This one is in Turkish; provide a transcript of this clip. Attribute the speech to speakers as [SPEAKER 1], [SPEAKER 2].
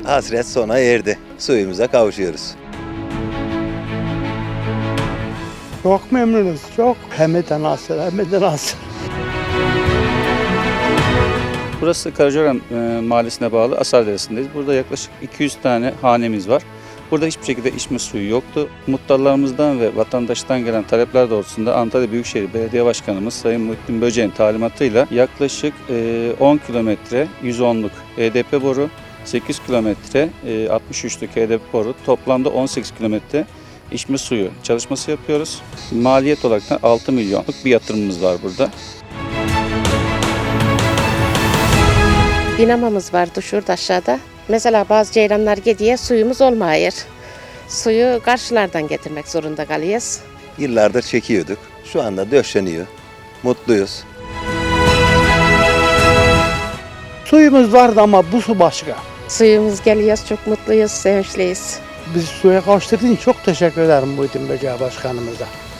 [SPEAKER 1] Hasret sona erdi. Suyumuza kavuşuyoruz.
[SPEAKER 2] Çok memnunuz, çok. Hem de nasıl, hem de nasıl.
[SPEAKER 3] Burası Karacaören mahallesine bağlı Asar Deresi'ndeyiz. Burada yaklaşık 200 tane hanemiz var. Burada hiçbir şekilde içme suyu yoktu. Muhtarlarımızdan ve vatandaştan gelen talepler doğrultusunda Antalya Büyükşehir Belediye Başkanımız Sayın Muhittin Böceğin talimatıyla yaklaşık 10 kilometre 110'luk HDP boru, 8 kilometre 63'lük HDP boru, toplamda 18 kilometre içme suyu çalışması yapıyoruz. Maliyet olarak da 6 milyonluk bir yatırımımız var burada.
[SPEAKER 4] Dinamamız vardı şurada aşağıda. Mesela bazı ceylanlar gidiyor, suyumuz olmuyor. Suyu karşılardan getirmek zorunda kalıyoruz.
[SPEAKER 1] Yıllardır çekiyorduk. Şu anda döşeniyor. Mutluyuz.
[SPEAKER 2] Suyumuz vardı ama bu su başka.
[SPEAKER 4] Suyumuz geliyor, çok mutluyuz, sevinçliyiz.
[SPEAKER 2] Biz suya kavuşturduğun için çok teşekkür ederim Muhittin Böceği Başkanımıza.